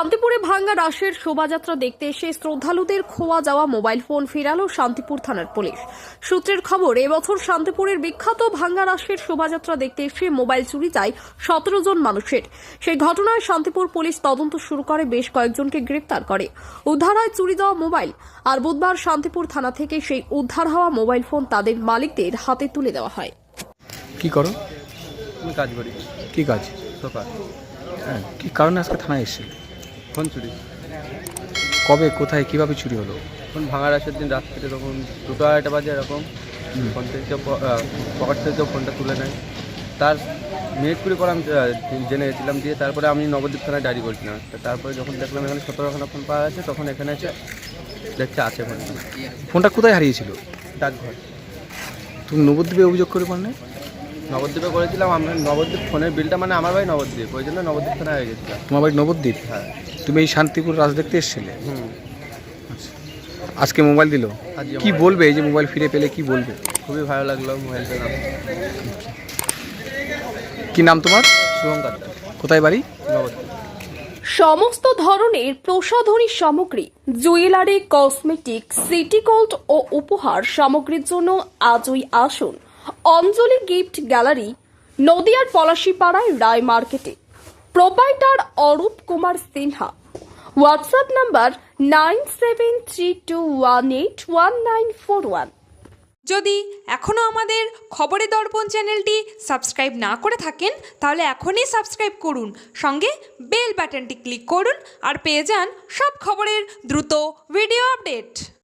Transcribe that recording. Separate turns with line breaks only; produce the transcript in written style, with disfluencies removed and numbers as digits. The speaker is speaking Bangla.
শান্তিপুরে ভাঙ্গা রাসের শোভাযাত্রা দেখতে এসে শ্রদ্ধালুদের খোয়া যাওয়া মোবাইল ফোন ফেরালো শান্তিপুর থানার পুলিশ। সূত্রের খবর, এবছর শান্তিপুরের বিখ্যাত ভাঙ্গা রাসের শোভাযাত্রা দেখতে এসে মোবাইল চুরি যায় 17 জন মানুষের। সেই ঘটনায় শান্তিপুর পুলিশ তদন্ত শুরু করে, বেশ কয়েকজনকে গ্রেপ্তার করে। উদ্ধার হয় চুরি যাওয়া মোবাইল। আর বুধবার শান্তিপুর থানা থেকে সেই উদ্ধার হওয়া মোবাইল ফোন তাদের মালিকদের হাতে তুলে দেওয়া হয়।
কি করো?
আমি কাজ করি।
কি কাজ?
সোফা।
হ্যাঁ, কি কারণে আজকে থানায় এসেছিল?
ফোন চুরি।
কবে, কোথায়, কিভাবে চুরি হলো?
ফোন ভাঙার আসের দিন রাত্রিতে তখন 2-2:30 বাজে এরকম ফোন থেকে পকেট থেকে কেউ ফোনটা তুলে নেয়। তার মিনিট কুড়ি পর আমি জেনে গেছিলাম, দিয়ে তারপরে আমি নবদ্বীপ থানায় ডায়েরি করেছিলাম। তারপরে যখন দেখলাম এখানে 17খানা ফোন পাওয়া গেছে, তখন এখানে এসে দেখছে আছে ফোন।
ফোনটা কোথায় হারিয়েছিল?
ডাকঘর।
তুমি নবদ্বীপে অভিযোগ করে পার না?
নবদ্বীপে করেছিলাম। আমরা নবদ্বীপ ফোনের বিলটা, মানে আমার বাড়ি নবদ্বীপ, ওই জন্য নবদ্বীপ থানায় হয়ে গেছিলাম।
তোমার বাড়ি নবদ্বীপ?
হ্যাঁ।
তুমি এই শান্তিপুর রাজ দেখতে এসেছিলে?
আচ্ছা।
আজকে মোবাইল দিল, কি বলবে? এই যে মোবাইল ফিরে পেলে কি বলবে?
খুবই ভালো লাগলো মোবাইল পেলাম।
কি নাম তোমার?
শুভঙ্কর।
কোথায় বাড়ি?
নবদ্বীপ।
সমস্ত ধরনের প্রসাধনী সামগ্রী, জুয়েলারি, কসমেটিক, সিটি গোল্ড ও উপহার সামগ্রীর জন্য আজই আসুন অঞ্জলি গিফট গ্যালারি, নদিয়ার পলাশীপাড়ায় রায় মার্কেটে। Proprietor Arup Kumar Sinha. WhatsApp number 9732181941।
যদি এখনও আমাদের খবরের দর্পণ চ্যানেলটি সাবস্ক্রাইব না করে থাকেন, তাহলে এখনই সাবস্ক্রাইব করুন, সঙ্গে বেল বাটনটি ক্লিক করুন আর পেয়ে যান সব খবরের দ্রুত ভিডিও আপডেট।